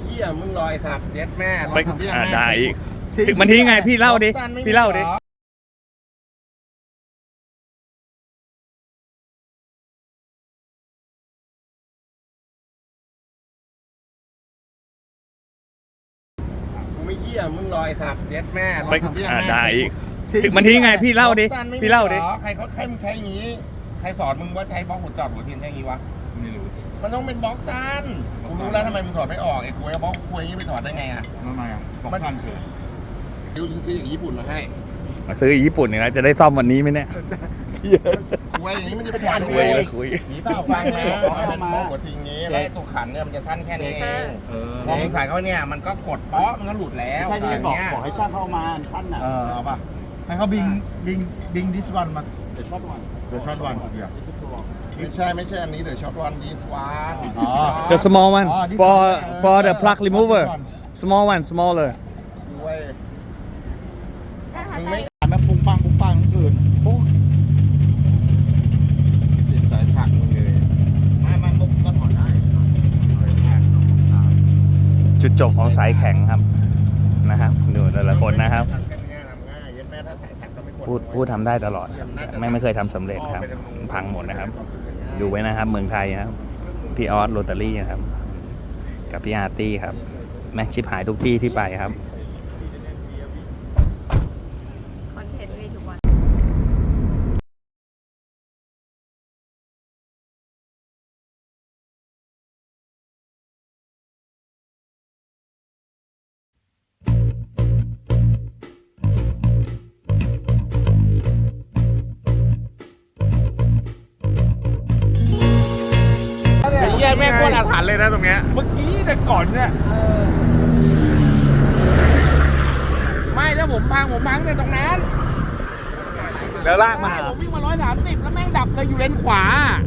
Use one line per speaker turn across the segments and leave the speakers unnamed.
เหี้ยมึงลอยสัตว์เย็ดแม่
ไปได้อีกถึงมันทิ้งไงพี่เล่าดิพี่เล่าดิ
กูไม่เหี้ยมึงลอยสัตว์เย็ดแม่
ไปได้อีกถึงมันทิ้งไงพี่เล่าดิพี่เล่าดิ
ใครเขาใครมึงใช้อย่างงี้ใครสอนมึงว่าใช้บล็อกหัวจอดหัวเทียนใช้อย่างงี้วะไม่รู้มันต้องเป็นบล็อกสั้นกูรู้แล้วทำไมมึงสอนไม่ออกไอ้กูไอ้บล็อกกูอย่างงี้ไปสอนได้ไงอ่ะทำไมอ่ะบล็อกสั้นคือดูซื้ออย่างญี่ปุ่นมาให้
มาซื้อญี่ปุ่นเนี่ยนะจะได้ซ่อมวันนี้ไหมเนี่ย
คุยอย่างนี้มันจะไปถอดคุย
คุย
นี่เปล่าฟังนะเป็นบล็อกหัวทิ้งงี้แล้วตัวขันเนี่ยมันจะสั้นแค่นี้เองพอมึงใส่เข้าเนี่ยมันก็กดเปาะมันก็หลุดแล้ว
ใช่ที่บอกให้ช่างเข้ามาสั้นน่ะ
เอาป่ะ
ให้เขาบิงดิสวันมาเดี๋ยวช็อตวันเดี๋ยว
ไม่ใช่อันนี้เดี๋ยวช็อตวันดิสวัน
The small one for the plug remover small one smaller
มึงไม่
แม่ปุ้งปังทั้งคืนโอ้
ติดสายถักมึงเลย
ไม่มุกก็ถอดได้
จุดจบของสายแข็งครับนะครับดูแต่ละคนนะครับพูดทำได้ตลอดไม่เคยทำสำเร็จครับพังหมดนะครับดูไว้นะครับเมืองไทยครับพี่ออสโรตารี่ครับกับพี่อาร์ตี้ครับแม่ชิปหายทุกที่ที่ไปครับ
คอนเทนต์มีทุกวัน
เยี่ยแม่โคตรอาถรรพ์เลยนะตรงเนี้ย
เมื่อกี้แต่ก่อนเนี่ย
ไม่ถ้าผมพังแต่ตรงนั้น
แล้วลากมา
ผมวิ่งมา130แล้วแม่งดับเลยอยู่เลนขวา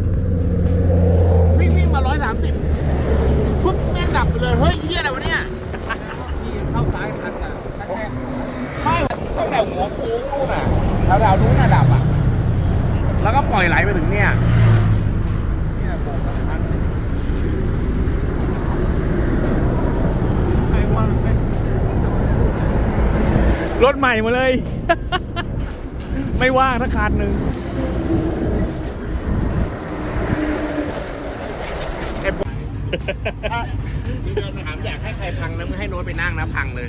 วิ่งมา130ชุบแม่งดับไปเลยเฮ้ยเยี่ยอะไรวะเนี่ย
ที่เข้าซ้ายทันอ่ะ
ไม่ตั้งแต่หัวโค้งนู่นน่ะแถวนู้นน่ะดับอ่ะแล้วก็ปล่อยไหลไปถึงเนี่ย
รถใหม่มาเลย ไม่ว่างสักคันหนึ่ง
เดินมาถามอยากให้ใครพังนะมึงให้โน้ตไปนั่งนะพังเลย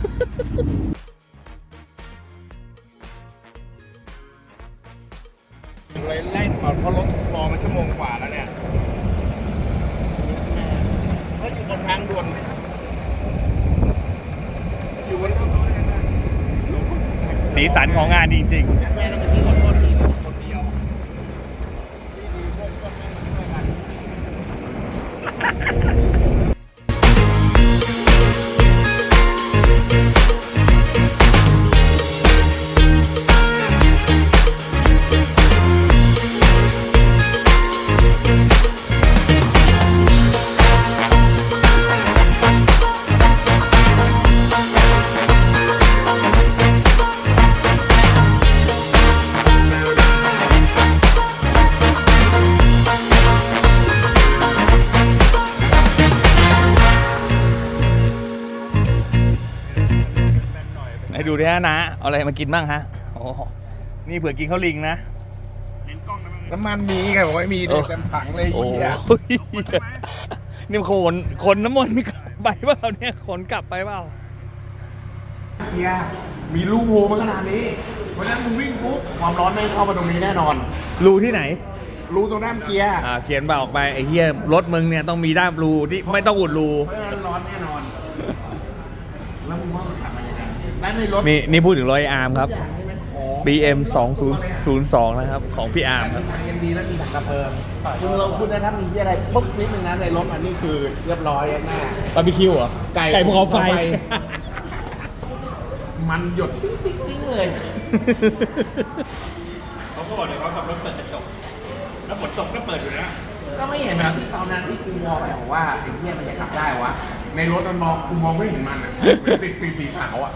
เลยไล่ก่อนเพราะรถรอมาชั่วโมงกว่าแล้วเนี่ยก็อยู่บนทางด่วนอยู่บนทางด่วน
สีสันของงานจริงๆ
แม่ต้องไปที่ขอโทษทีคนเดียวดีๆก็ไม่ช่วยกัน
ให้ดูดิฮะนะเอาอะไรมากินบ้างฮะโอ้นี่เผื่อกินข้าวลิงนะ
น้ำมันมีไงบอกไม่มีเด็กเต็มถังเลย
นี่ขนน้ำมันไปเปล่าเนี่ยขนกลับไปเปล่า
เฮียมีรูโผล่มาขนาดนี้เพราะฉะนั้นมึงวิ่งปุ๊บความร้อนไม่เข้ามาตรงนี้แน่นอน
รูที่ไหน
รูตรงด้ามเกียร์
เขียนบอกไปไอ้เหี้ยรถมึงเนี่ยต้องมีด้ามรูที่ไม่ต้องอุดรู
เพราะฉะนั้นร้อนแน่นอนแล้วมึงว่ามันขับมายังไงด้านในรถ
นี่พูดถึงรอยอาร์มครับ BM 2002นะครับของพี่อาร์มครับ
ยังดีแล้วมีถังกระเพิงคุณเราพูดได้ถ้ามีที่อะไรปุ๊บนิดนึงนะในรถอันนี้คือเรียบร้อยแน่
บาร์บีคิวเหรอไก่ภูเขาไฟ
มันหยดติ๊งเลย
เขาก็บอกเลยเขาขับรถเปิดกระจกแล้วฝนตกก็เปิดอยู่นะ
ก็ไม่เห็นแบบที่ตอนนั้นที่กูมองไปบอกว่าไอ้เหี้ยมันจะขับได้วะในรถมันมองกูมองไม่เห็นมันอ่ะติดสีขาวอ่ะ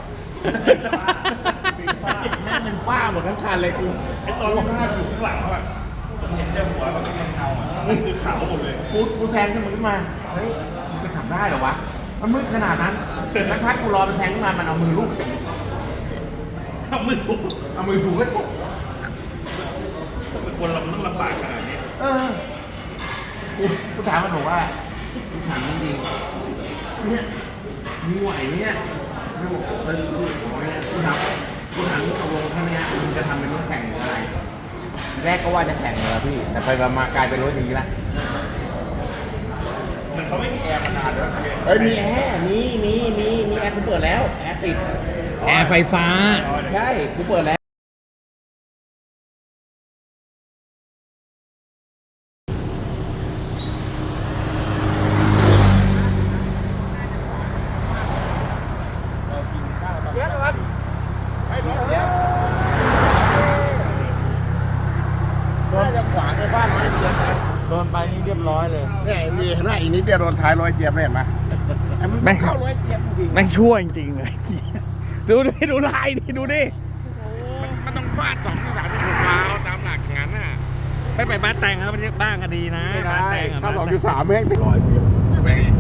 แม่เป็นฝ้าหมดทั้งคันเลยกู
ไอ้ตอนฝ้าอยู่ข้างหลังอ่ะเห็นแต่หัวมันเป็นเงาอ่ะนั่นคือขาวหมดเลย
กูแซงขึ้นมาเฮ้ยมันจะขับได้เหรอวะมันมืดขนาดนั้นสักพักกูรอเป็นแทงขึ้นมามันเอามือลูบจับ
เอามือถูก
เอามือถูก็ถูก
เป็นคนเราต้องลำบากขนาดนี้
กูถามมันบอกว่ากูถามจริงๆเนี่ยมึงไหวไหมเนี่ยกูบอกลูกของเนี่ยกูถามที่ตกลงครั้งเนี้ยมึงจะทำเป็นรถแข่งหรืออะไรแรกก็ว่าจะแข่งเลยพี่แต่ไปมากลายเป็นรถอย่างนี้ละ
มันเขาไม่มีแอร์มานานแล้ว
เอ้ยมีแอร์มีแอร์กูเปิดแล้วแอร์ติด
แอร์ไฟฟ้า
ใช่กูเปิดแล้วเดี๋ยวก่อนไอ้รถเดี๋ยวน่าจะขวางในบ้านน้อยเดียวนะ
โดนไปนี่เรียบร้อยเลย
เนี่ยมีเห็นไหมอีกนิดเดียวโดนท้ายร้อยเจี๊ยบเลยเห็นไหมไอ้มึง
แม่ง
เข้าร้อยเจี๊ยบจริง
แม่งชั่วจริงๆเลย ดูดิดูลายดิดูดิ
มันต้องฟาด2 3 6ล้าวตามหลักอย่างนั้นน่ะ
ไม่ไปบ้านแต่งครับบ้านก็ดีนะบ้านแต่งอะ
ถ้า
บ้านแต่ง
2.3แม่งร้อยเจี๊ยบ